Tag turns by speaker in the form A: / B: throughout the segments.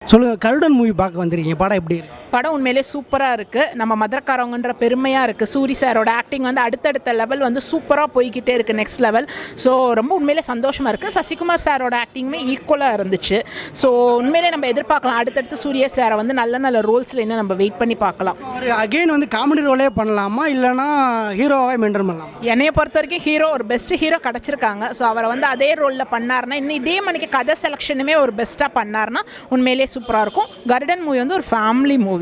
A: சொல்லுங்க, கருடன் மூவி பார்க்க வந்திருக்கீங்க, படம் எப்படி இருக்கு?
B: படம் உண்மையிலே சூப்பராக இருக்குது. நம்ம மதுரக்காரவங்கன்ற பெருமையாக இருக்குது. சூரி சாரோட ஆக்டிங் வந்து அடுத்தடுத்த லெவல் வந்து சூப்பராக போய்கிட்டே இருக்குது, நெக்ஸ்ட் லெவல். ஸோ ரொம்ப உண்மையிலே சந்தோஷமாக இருக்குது. சசிகுமார் சாரோட ஆக்டிங்குமே ஈக்குவலாக இருந்துச்சு. ஸோ உண்மையிலே நம்ம எதிர்பார்க்கலாம் அடுத்தடுத்து சூரிய சாரை வந்து நல்ல நல்ல ரோல்ஸில் இன்னும் நம்ம வெயிட் பண்ணி பார்க்கலாம்.
A: அவர் அகைன் வந்து காமெடி ரோலே பண்ணலாமா இல்லைனா ஹீரோவாகவே மெயின்டைன் பண்ணலாமா?
B: என்னையை பொறுத்த வரைக்கும் ஹீரோ ஒரு பெஸ்ட் ஹீரோ கிடச்சிருக்காங்க. ஸோ அவரை வந்து அதே ரோலில் பண்ணார்னா, இன்னும் இதே மணிக்கு கதை செலெக்ஷனுமே ஒரு பெஸ்ட்டாக பண்ணார்னா உண்மையிலே சூப்பராக இருக்கும். கருடன் மூவி வந்து ஒரு ஃபேமிலி மூவி.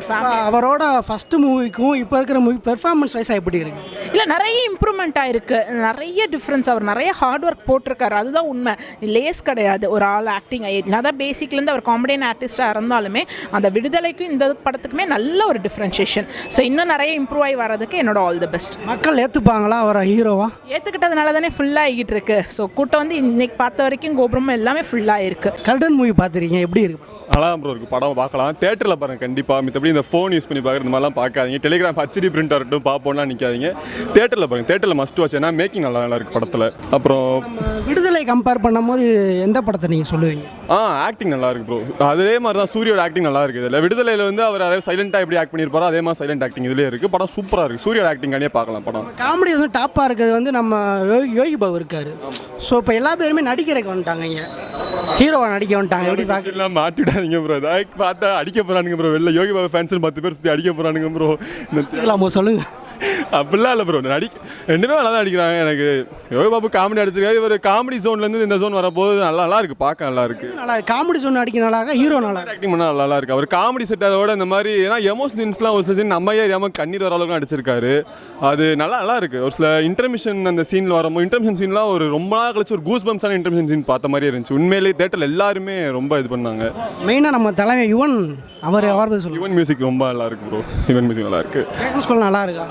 A: அவரோட ஃபர்ஸ்ட் மூவிக்கும் இப்போ இருக்கிற மூவி பெர்ஃபார்மன்ஸ் வைஸாக எப்படி இருக்கு?
B: இல்லை, நிறைய இம்ப்ரூவ்மெண்ட் ஆயிருக்கு, நிறைய டிஃப்ரென்ஸ். அவர் நிறைய ஹார்ட் ஒர்க் போட்டிருக்காரு, அதுதான் உண்மை. லேஸ் கிடையாது ஒரு ஆள் ஆக்டிங். அதான் பேசிக்லேருந்து அவர் காமெடியன் ஆர்டிஸ்டாக இருந்தாலுமே அந்த விடுதலைக்கும் இந்த படத்துக்குமே நல்ல ஒரு டிஃப்ரென்ஷியேஷன். ஸோ இன்னும் நிறைய இம்ப்ரூவ் ஆகி வர்றதுக்கு என்னோட ஆல் தி பெஸ்ட்.
A: மக்கள் ஏற்றுப்பாங்களா அவரை ஹீரோவா?
B: ஏற்றுக்கிட்டதுனால தானே ஃபுல்லாக ஆகிட்டு இருக்கு. ஸோ கூட்டம் வந்து இன்னைக்கு பார்த்த வரைக்கும் கோபுரமும் எல்லாமே ஃபுல்லாக இருக்கு.
A: கருடன் மூவி பார்த்துருக்கீங்க, எப்படி இருக்கு?
C: நல்லா ப்ரோ இருக்குது, படம் பார்க்கலாம். தேட்டரில் பாருங்கள் கண்டிப்பாக. மித்தபடி இந்த ஃபோன் யூஸ் பண்ணி பார்க்குறது இந்த மாதிரிலாம் பார்க்காதீங்க. டெலிகிராம் ஹச்டி பிரிண்ட் வரட்டும் பார்ப்போம்னா நிற்காதீங்க. தேட்டரில் பாருங்கள், தேட்டரில் மஸ்ட் வாட்ச். ஏன்னா மேக்கிங் நல்லா இருக்குது படத்தில். அப்புறம்
A: விடுதலை கம்பேர் பண்ணும்போது எந்த படத்தை நீங்கள் சொல்லுவீங்க?
C: ஆக்டிங் நல்லா இருக்கு ப்ரோ. அதே மாதிரி தான் சூரியோட ஆக்டிங் நல்லா இருக்குது. இதில் விடுதலையில் வந்து அவர் அதே சைலண்டாக எப்படி ஆக்ட் பண்ணியிருப்பாரோ அதே மாதிரி சைலண்ட் ஆக்டிங் இதுலேயே இருக்குது. படம் சூப்பராக இருக்குது. சூரியோட ஆக்டிங் கண்டிப்பாக பார்க்கலாம். படம்
A: காமெடி வந்து டாப்பாக இருக்கிறது வந்து நம்ம யோகி பாபு இருக்காரு. ஸோ இப்போ எல்லா பேருமே நடிக்கிறதுக்கு வந்துட்டாங்க, இங்கே ஹீரோவை நடிக்க வந்துட்டாங்க. எப்படி பார்க்கலாம்?
C: மாட்டிவிடாதீங்க ப்ரோ. பார்த்தா அடிக்க போகிறானுங்க ப்ரோ. வெளில யோகி பாபா ஃபேன்ஸ் 10 பேர் சுற்றி அடிக்க போகிறானுங்க ப்ரோ.
A: சொல்லுங்க.
C: அப்படிலாம் இல்லை ப்ரோ. ரெண்டுமே நல்லா தான் அடிக்கிறாங்க. எனக்கு யோகி பாபு காமெடி அடிச்சிருக்காரு. இவர் காமெடி ஜோன்லேருந்து இந்த ஜோன் வரப்போது நல்லா இருக்கு, பார்க்க நல்லா இருக்கு.
A: நல்லா காமெடி ஜோன் அடிக்க நல்லா இருக்கா, ஹீரோ நல்லா
C: ஆக்டிங் பண்ணால் நல்லா இருக்கு. அவர் காமெடி செட்டோட இந்த மாதிரி ஏன்னா எமோஷன்ஸ்லாம் ஒரு சீன் நம்ம ஏறியாமல் கண்ணீர் வர அளவுக்கு அடிச்சிருக்காரு. அது நல்லா இருக்கு. ஒரு சில இன்டர்மிஷன் அந்த சீனில் வரும்போது இன்டர்மிஷன் சீன்லாம் ஒரு ரொம்ப நாள் கழிச்சு ஒரு கூஸ் பம்ப்ஸான இன்டர்மிஷன் சீன் பார்த்த மாதிரி இருந்துச்சு. உண்மையிலேயே தேட்டரில் எல்லாருமே ரொம்ப இது பண்ணாங்க.
A: மெயினாக நம்ம தலைமை யுவன் அவர்
C: யுவன் மியூசிக் ரொம்ப நல்லா இருக்கு ப்ரோ. யுவன் மியூசிக் நல்லா இருக்கு.
A: நல்லா இருக்கு.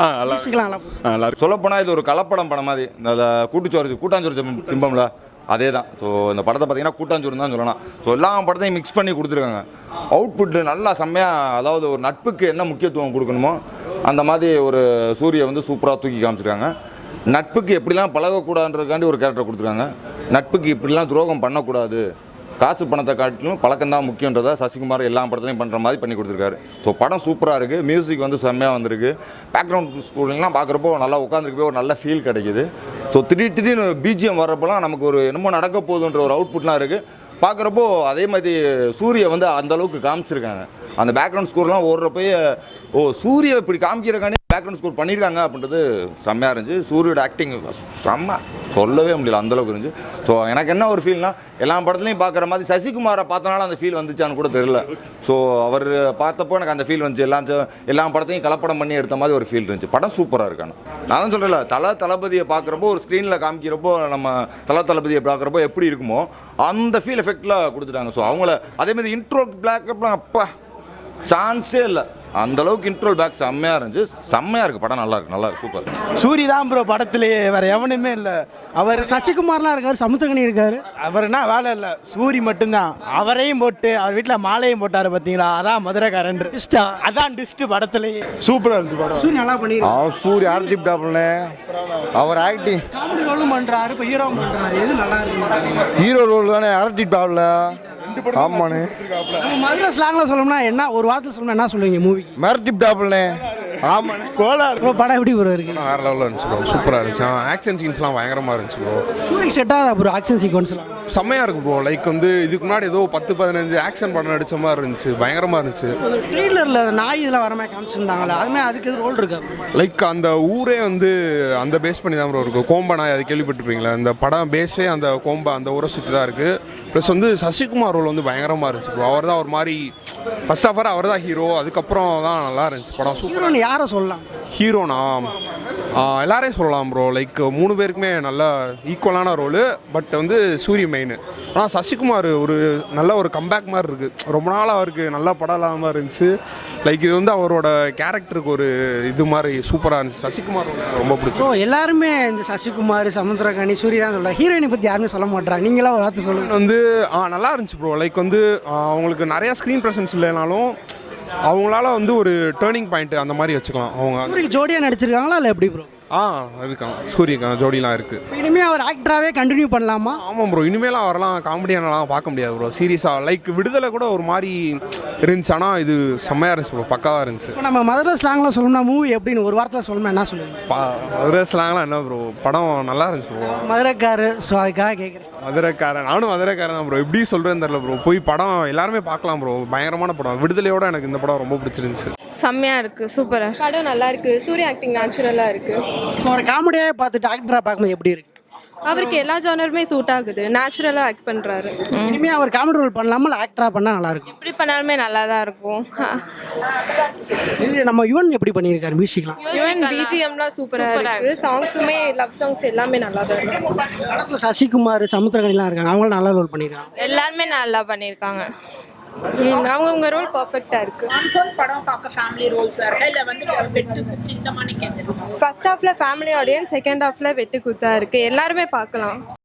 C: நல்லா இருக்கு.
D: சொல்லப்போனால் இது ஒரு கலப்படம் படம் மாதிரி. இந்த கூட்டாஞ்சோறு சிம்பம்ல அதே தான். ஸோ இந்த படத்தை பார்த்தீங்கன்னா கூட்டாஞ்சோறு தான் சொல்லலாம். ஸோ எல்லா படத்தையும் மிக்ஸ் பண்ணி கொடுத்துருக்காங்க. அவுட்புட்டு நல்லா செம்மையாக, அதாவது ஒரு நட்புக்கு என்ன முக்கியத்துவம் கொடுக்கணுமோ அந்த மாதிரி ஒரு சூரியை வந்து சூப்பராக தூக்கி காமிச்சிருக்காங்க. நட்புக்கு எப்படிலாம் பழகக்கூடாதுன்றதுக்காண்டி ஒரு கேரக்டர் கொடுத்துருக்காங்க. நட்புக்கு இப்படிலாம் துரோகம் பண்ணக்கூடாது, காசு பணத்தை காட்டிலும் பழக்கம் தான் முக்கியன்றதை சசிகுமார் எல்லா படத்துலையும் பண்ணுற மாதிரி பண்ணி கொடுத்துருக்காரு. ஸோ படம் சூப்பராக இருக்குது. மியூசிக் வந்து செம்மையாக வந்திருக்கு. பேக்ரவுண்ட் ஸ்கோரிங்லாம் பார்க்குறப்போ நல்லா உட்காந்துருக்கு போய் ஒரு நல்ல ஃபீல் கிடைக்கிது. ஸோ திடீர்னு பிஜிஎம் வர்றப்போலாம் நமக்கு ஒரு என்னமோ நடக்க போகுதுன்ற ஒரு அவுட்புட்லாம் இருக்குது. பார்க்குறப்போ அதே மாதிரி சூரியை வந்து அந்தளவுக்கு காமிச்சிருக்காங்க. அந்த பேக்ரவுண்ட் ஸ்கோர்லாம் ஓடுறப்போயே சூரியை இப்படி காமிக்கிறக்கானே பேக்ரவுண்ட் ஸ்கோர் பண்ணியிருக்காங்க அப்படின்றது செம்மையாக இருந்துச்சு. சூரியோட ஆக்டிங் செம்ம, சொல்லவே முடியல, அந்தளவுக்கு இருந்துச்சு. ஸோ எனக்கு என்ன ஒரு ஃபீல்னா, எல்லா படத்துலையும் பார்க்குற மாதிரி சசிகுமாரை பார்த்தனால அந்த ஃபீல் வந்துச்சான்னு கூட தெரியல. ஸோ அவர் பார்த்தப்போ எனக்கு அந்த ஃபீல் வந்துச்சு. எல்லா படத்தையும் கலப்படம் பண்ணி எடுத்த மாதிரி ஒரு ஃபீல் இருந்துச்சு. படம் சூப்பராக இருக்கானு நான் தான் சொல்கிறேன். தளபதியை பார்க்குறப்போ ஒரு ஸ்க்ரீனில் காமிக்கிறப்போ நம்ம தளபதியை பார்க்குறப்போ எப்படி இருக்குமோ அந்த ஃபீல் எஃபெக்டில் கொடுத்துட்டாங்க. ஸோ அவங்கள அதேமாதிரி இன்ட்ரோ பிளாக்அப்லாம் அப்பா சான்ஸே இல்லை. அந்த அளவுக்கு இன்ட்ரோல் பேக் செம்மையாக இருந்துச்சு. செம்மையாக இருக்குது. படம் நல்லா இருக்கு, சூப்பர்.
A: சூரி தான் ப்ரோ படத்துலேயே, வேற எவனுமே இல்லை. அவர் சசிகுமார்லாம் இருக்கார், சமுத்திரகனி இருக்கார். அவர்னா வேலை இல்லை, சூரி மட்டும்தான். அவரையும் போட்டு அவர் வீட்டில் மாலையும் போட்டார் பார்த்தீங்களா, அதான் மதுரைக்காரன் டிஸ்டா, அதான் டிஸ்ட் படத்துலேயே.
D: சூப்பராக இருந்துச்சு படம்.
A: சூரி நல்லா பண்ணிருக்காரு.
D: சூரி ஆர்டிப் டாப்ல அவர் ஆக்டிங்
A: காமெடி ரோலும் பண்ணுறாரு, இப்போ ஹீரோ பண்ணுறாரு. எது நல்லா இருக்கு?
D: ஹீரோ ரோல் தானே ஆர்டிப் டாப்ல. ஆமாண்ணே.
A: மதுரை ஸ்லாங்கில் சொல்லணும்னா என்ன, ஒரு வாரத்தில் சொல்லணும்னா என்ன சொல்லுவீங்க மூவி?
D: மிரட்டிப் டாப்ல. ஆமாண்ணே. கோலார்
A: ப்ரோ படம் எப்படி ப்ரோ இருக்கு?
E: வேறு லெவலில் இருந்துச்சு ப்ரோ. சூப்பராக இருந்துச்சு. ஆக்ஷன் சீன்ஸ்லாம் பயங்கரமாக இருந்துச்சு ப்ரோ.
A: சூரிக்கு செட் ஆகுதா ப்ரோ ஆக்ஷன் சீக்வன்ஸ்லாம்?
E: செம்மையாக இருக்கும் ப்ரோ. லைக் வந்து இதுக்கு முன்னாடி ஏதோ 10-15 ஆக்ஷன் படம் நடித்த மாதிரி இருந்துச்சு. பயங்கரமாக இருந்துச்சு.
A: ட்ரெய்லரில் நாய் இதெல்லாம் வர மாதிரி காமிச்சிருந்தாங்களே, அதுமாதிரி அதுக்கு எது ரோல் இருக்கா?
E: லைக் அந்த ஊரே வந்து அந்த பேஸ் பண்ணி தான் ப்ரோ இருக்கும். கோம்பா நாய், அது கேள்விப்பட்டிருப்பீங்களா? இந்த படம் பேஸே அந்த கோம்பா அந்த ஊரை சுற்றி தான் இருக்குது. ப்ளஸ் வந்து சசிகுமார் ரோல் வந்து பயங்கரமாக இருந்துச்சு ப்ரோ. அவர் தான் ஒரு மாதிரி ஃபர்ஸ்ட் ஆஃப் ஆல் அவர் தான் ஹீரோ. அதுக்கப்புறம் தான் நல்லா இருந்துச்சு படம்.
A: ஹீரோன்னு யாரை சொல்லலாம்?
E: ஹீரோனா எல்லாரையும் சொல்லலாம் ப்ரோ. லைக் 3 பேருக்குமே நல்ல ஈக்குவலான ரோலு. பட் வந்து சூரிய மெயின். ஆனால் சசிகுமார் ஒரு நல்ல ஒரு கம்பேக் மாதிரி இருக்குது. ரொம்ப நாள் அவருக்கு நல்லா படம் இல்லாமல் இருந்துச்சு. லைக் இது வந்து அவரோட கேரக்டருக்கு ஒரு இது மாதிரி சூப்பராக இருந்துச்சு. சசிகுமார் ரொம்ப பிடிச்சி.
A: ஸோ எல்லாருமே இந்த சசிகுமார், சமுத்திரகனி, சூரிய தான் சொல்கிறாங்க. ஹீரோயினை பற்றி யாருமே சொல்ல மாட்டாங்க. நீங்களாம் ஒரு வார்த்தை சொல்லுங்கள்.
E: வந்து நல்லா இருந்துச்சு ப்ரோ. லைக் வந்து அவங்களுக்கு நிறையா ஸ்க்ரீன் ப்ரெசன்ஸ் இல்லைனாலும் அவங்களால வந்து ஒரு டேர்னிங் பாயிண்ட் அந்த மாதிரி வச்சுக்கலாம். அவங்க
A: சூரியக்கு ஜோடியாக நடிச்சிருக்காங்களா இல்லை எப்படி ப்ரோ?
E: இருக்கான் சூரியகாந்த் ஜோடிலாம் இருக்குது.
A: இனிமே அவர் ஆக்டராகவே கண்டினியூ பண்ணலாமா?
E: ஆமாம் ப்ரோ, இனிமேலாம் அவரெல்லாம் காமெடியானலாம் பார்க்க முடியாது ப்ரோ. சீரியஸாக லைக் விடுதலை கூட ஒரு மாதிரி இருந்துச்சு, ஆனால் இது செம்மையாக இருந்துச்சு ப்ரோ, பக்காவாக இருந்துச்சு.
A: இப்போ நம்ம மதுரை ஸ்லாங்கில் சொல்லணும்னா மூவி எப்படின்னு ஒரு வாரத்தில் சொல்லணும்னா என்ன சொல்லுவீங்க?
E: மதுரை ஸ்லாங்லாம் என்ன ப்ரோ, படம் நல்லா இருந்துச்சு ப்ரோ.
A: மதுரைக்காரு, ஸோ அதுக்காக கேட்குறேன்.
E: மதுரைக்காரன், நானும் மதுரைக்காரன் தான் ப்ரோ. எப்படி சொல்கிறேன்னு தெரில ப்ரோ. போய் படம் எல்லாருமே பார்க்கலாம் ப்ரோ, பயங்கரமான படம். விடுதலையோட எனக்கு இந்த படம் ரொம்ப பிடிச்சிருந்துச்சு.
F: செம்மையாக இருக்குது, சூப்பராக படம், நல்லா இருக்குது. சூர்யா ஆக்டிங் நேச்சுரலாக இருக்குது.
A: இப்போ ஒரு காமெடியாக பார்த்துட்டு ஆக்டராக பார்க்கும்போது எப்படி இருக்கு?
F: அவருக்கு எல்லா ஜானருமே சூட் ஆகுது, நேச்சுரலாக ஆக்ட் பண்ணுறாரு.
A: இனிமே அவர் காமெடி ரோல் பண்ணலாமா இல்லை ஆக்டராக பண்ணால் நல்லா இருக்கும்?
F: எப்படி பண்ணாலுமே நல்லா தான் இருக்கும்.
A: இது நம்ம யுவன் எப்படி பண்ணியிருக்காரு மியூசிக்லாம்?
F: ஈவன் பிஜிஎம்லாம் சூப்பராக இருக்குது. சாங்ஸுமே லவ் சாங்ஸ் எல்லாமே நல்லா தான் இருக்கு.
A: படத்தில் சசிகுமார், சமுத்திரகனிலாம் இருக்காங்க, அவங்களும் நல்லா ரோல் பண்ணியிருக்காங்க.
F: எல்லாருமே நல்லா பண்ணியிருக்காங்க. அவங்கவுங்க ரோல் பர்ஃபெக்டாக இருக்குது.
B: படம் பார்க்க ஃபேமிலி ரோல்ஸாக இருக்கா இல்லை வந்து வெட்டு குத்து இந்த மாதிரி கேட்குறோம்?
F: ஃபர்ஸ்ட் ஹாஃபில் ஃபேமிலி ஆடியன்ஸ், செகண்ட் ஹாஃபில் வெட்டு குத்தா இருக்குது. எல்லாருமே பார்க்கலாம்.